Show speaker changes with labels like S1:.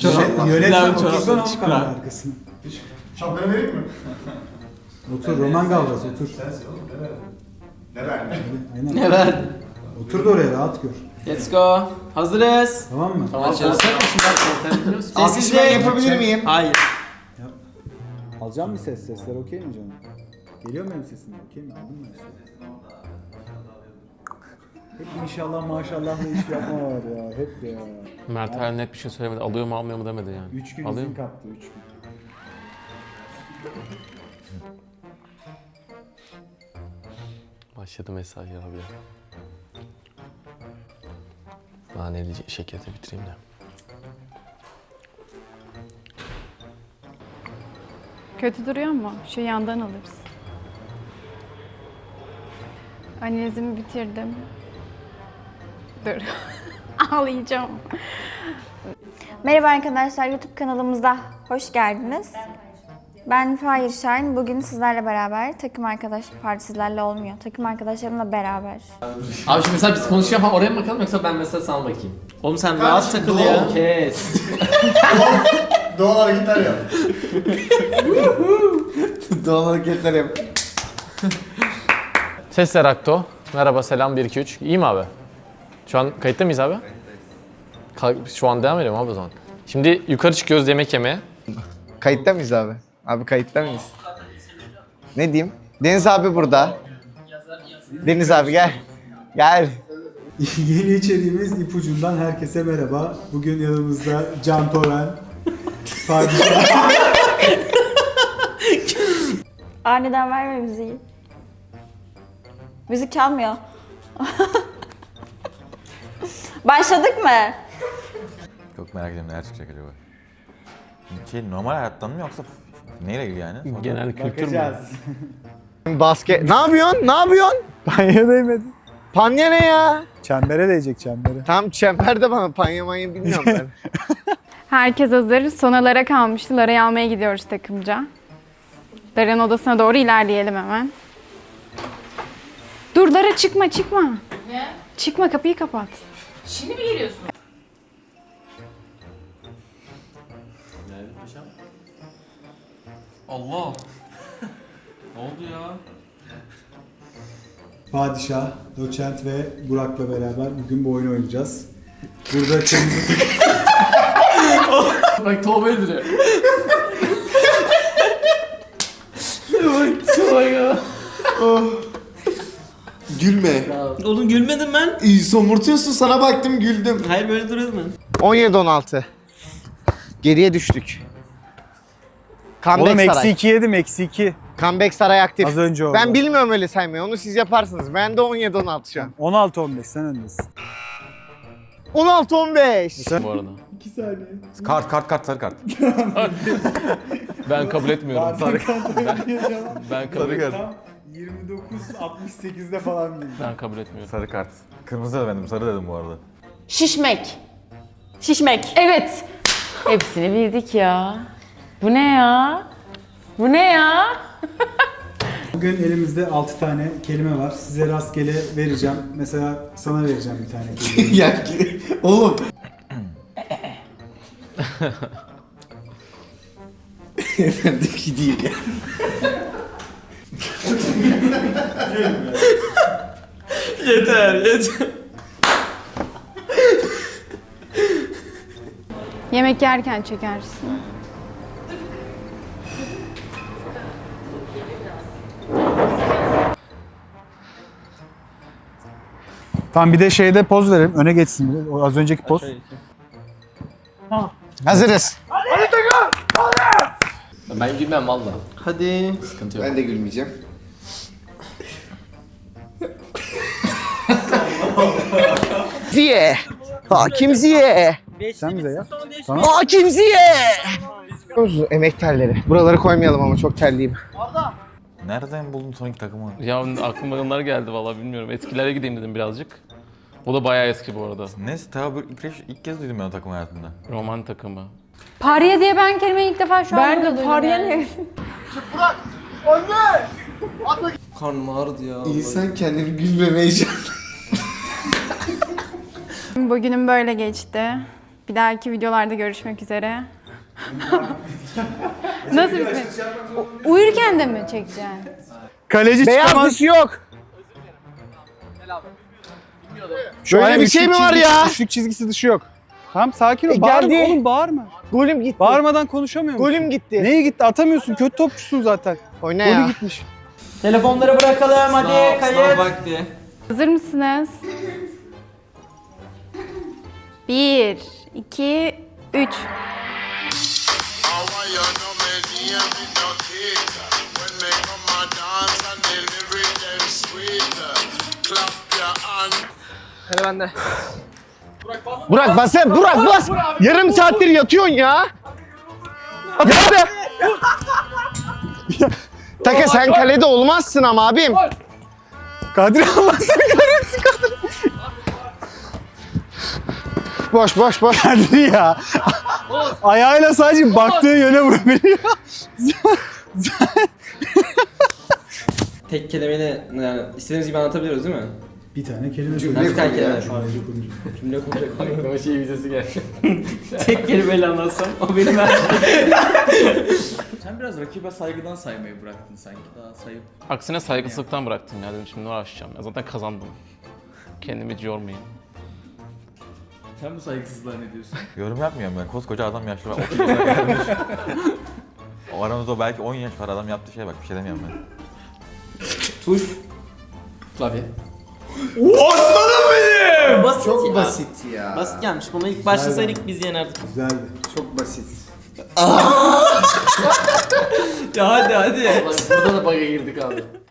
S1: Yönetmen otursana o kamera arkasına.
S2: Şapkanı vereyim mi?
S1: Otur Roman Gavras otur.
S2: Sensin oğlum ne verdin?
S1: Aynen.
S3: Ne verdin?
S1: Otur da oraya rahat gör.
S3: Let's go. Hazırız.
S1: Tamam mı?
S3: Tamam. Sessizlik.
S2: Alkışlar yapabilir miyim?
S3: Hayır.
S1: Alacağım mı ses? Sesler okey mi canım? Geliyor mu benim sesim? Okey mi? Aldın mı? Hep inşallah maşallah iş yapma var ya. Hep ya.
S4: Mert hala net bir şey söylemedi. Alıyor mu almıyor mu demedi yani.
S1: 3 gün
S4: Alıyor
S1: izin
S4: mu?
S1: kaptı 3 gün.
S4: Başladı mesaj ya abi. Naneli şekeri bitireyim de.
S5: Kötü duruyor mu? Şu yandan alırız. Analizimi bitirdim. Dur. Ağlayacağım.
S6: Merhaba arkadaşlar, YouTube kanalımıza hoş geldiniz. Ben Fahir Şahin. Bugün sizlerle beraber takım arkadaş, pardon sizlerle olmuyor. Takım arkadaşlarımla beraber.
S3: Abi şimdi mesela biz konuşuyor falan oraya mı bakalım yoksa ben mesela sana bakayım? Oğlum sen rahat takıl ya. Kes.
S2: Doğal hareketler yap.
S3: Doğal hareketler yap.
S4: Sesler Akto. Merhaba, selam 1 2 3. İyi mi abi? Şu an kayıtta mıyız abi? Şu an devam ediyorum abi o zaman. Şimdi yukarı çıkıyoruz yemek yemeye.
S7: Kayıtta mıyız abi? Abi kayıtta mıyız? Ne diyeyim? Deniz abi burada. Deniz abi gel. Gel.
S1: Yeni içeriğimiz ipucundan herkese merhaba. Bugün yanımızda Can Toren, Padişah.
S6: Aniden verme müziği. Müzik çalmıyor. Başladık mı?
S8: Çok merak ediyorum neler çıkacak acaba. Normal hayattan mı yoksa neyle ilgili yani?
S4: Genel kültür mü?
S1: Bakacağız.
S7: Basket. Ne yapıyorsun? Ne yapıyorsun?
S1: Panya değmedi.
S7: Panya ne ya?
S1: Çembere değecek çembere.
S7: Tam çember de bana panya manya bilmiyorum ben.
S5: Herkes hazır. Son Lara kalmıştı. Lara'yı almaya gidiyoruz takımca. Lara'nın odasına doğru ilerleyelim hemen. Dur Lara çıkma. Ne? Çıkma, kapıyı kapat.
S9: Şimdi mi geliyorsun?
S3: Allah. Ne oldu ya?
S1: Padişah, Doçent ve Burak'la beraber bugün bu oyunu oynayacağız. Burada kırmızı
S3: Bak Tuğba öldürüyor. Bak Tuğba ya.
S7: Gülme.
S3: Oğlum gülmedim ben.
S7: İyi somurtuyorsun, sana baktım güldüm.
S3: Hayır böyle duruyor mu?
S7: 17-16. Geriye düştük. Comeback
S1: Oğlum
S7: Saray.
S1: eksi 2 yedim eksi 2.
S7: Comeback Saray aktif.
S1: Az önce oldu.
S7: Ben bilmiyorum öyle saymayı. Onu siz yaparsınız. Ben de 17-16 şu an.
S1: 16-15 sen öndesin.
S7: 16-15.
S4: Bu arada.
S1: 2 saniye.
S8: Kart sarı kart.
S4: Ben kabul etmiyorum. Ben kabul etmiyorum.
S1: Tam 29-68'de falan bildim.
S4: Ben kabul etmiyorum.
S8: Sarı kart. Kırmızı demedim, sarı dedim bu arada.
S9: Şişmek. Şişmek. Evet. Hepsini bildik ya. Bu ne ya? Bu ne ya?
S1: Bugün elimizde 6 tane kelime var. Size rastgele vereceğim. Mesela sana vereceğim bir tane kelime.
S7: Ya oğlum. Efendimki değil ya.
S3: Yeter.
S5: Yemek yerken çekersin.
S1: Tamam bir de şeyde poz verelim. Öne geçsin. O az önceki poz.
S7: Hazırız.
S3: Ben gülmem valla. Hadi. Sıkıntı yok.
S7: Ben de gülmeyeceğim. Ziye. Hakim Ziye.
S1: Sen bize yap.
S7: Hakim Ziye. Emek terleri. Buraları koymayalım ama çok terliyim.
S8: Nereden buldun son iki takımı?
S4: Ya aklıma onlar geldi vallahi bilmiyorum. Eskilere gideyim dedim birazcık. O da bayağı eski bu arada.
S8: Neyse tabi ilk kez duydum ben o takım hayatımda.
S4: Roman takımı.
S5: Pariye diye ben kelimeyi ilk defa şu an
S9: Ben
S5: burada
S9: de
S5: duydum
S9: pariye
S5: yani.
S9: ne?
S3: Karnım ağrıdı ya.
S7: İnsan kendini gülmemeye
S5: Bugünüm böyle geçti. Bir dahaki videolarda görüşmek üzere. Nasıl bitmedi? Uyurken de mi çekeceksin?
S1: Kaleci
S7: Beyaz
S1: çıkamaz.
S7: dışı yok.
S1: Şöyle
S7: Böyle bir şey mi var ya?
S1: Üçlük çizgisi dışı yok. Tamam sakin ol.
S7: E,
S1: Bağırma
S7: geldi.
S1: oğlum bağırma.
S7: Golüm gitti.
S1: Bağırmadan konuşamıyor musun?
S7: Golüm gitti.
S1: Neye gitti? Atamıyorsun. Kötü topçusun zaten.
S7: Oyna
S1: Golü
S7: ya.
S1: gitmiş.
S3: Telefonları bırakalım hadi kayıt. vakti.
S5: Hazır mısınız? 1, 2, 3.
S7: Burak bas sen, Burak bas. Yarım saattir yatıyorsun ya. Hadi. Taka sen kalede olmazsın ama abim.
S1: Kadri Allah seni kahretsin Kadri.
S7: Boş boş boş.
S1: Kadri ya. Ayağıyla sadece baktığı yöne vurabiliyor.
S10: Tek kelimeyle yani istediğimiz gibi anlatabiliyoruz değil mi?
S1: Bir tane kelime
S10: Ben bir tane kelime. Cümle kuracak.
S3: Aklıma şey videosu geldi. Tek kelimeyle anlatsam o benim her
S10: Sen biraz rakibe saygıdan saymayı bıraktın sanki. Daha sayıp.
S4: Aksine saygısızlıktan bıraktım ya dedim şimdi uğraşacağım. Ya zaten kazandım. Kendimi hiç yormayayım.
S10: Sen bu saygısızlığa ne diyorsun?
S8: Yorum yapmıyorum ben. Koskoca adam yaşlı. 30 yaşına gelmiş. O aramızda belki 10 yaş var adam yaptığı şeye bak bir şey demiyorum ben.
S3: Tuş. Klavye. Basit
S2: Çok
S3: ya.
S2: basit ya.
S3: Basit gelmiş. Buna ilk başlasaydık biz yenerdik.
S1: Güzeldi.
S2: Çok basit.
S3: Ya hadi hadi. Burada da bug'a girdik abi.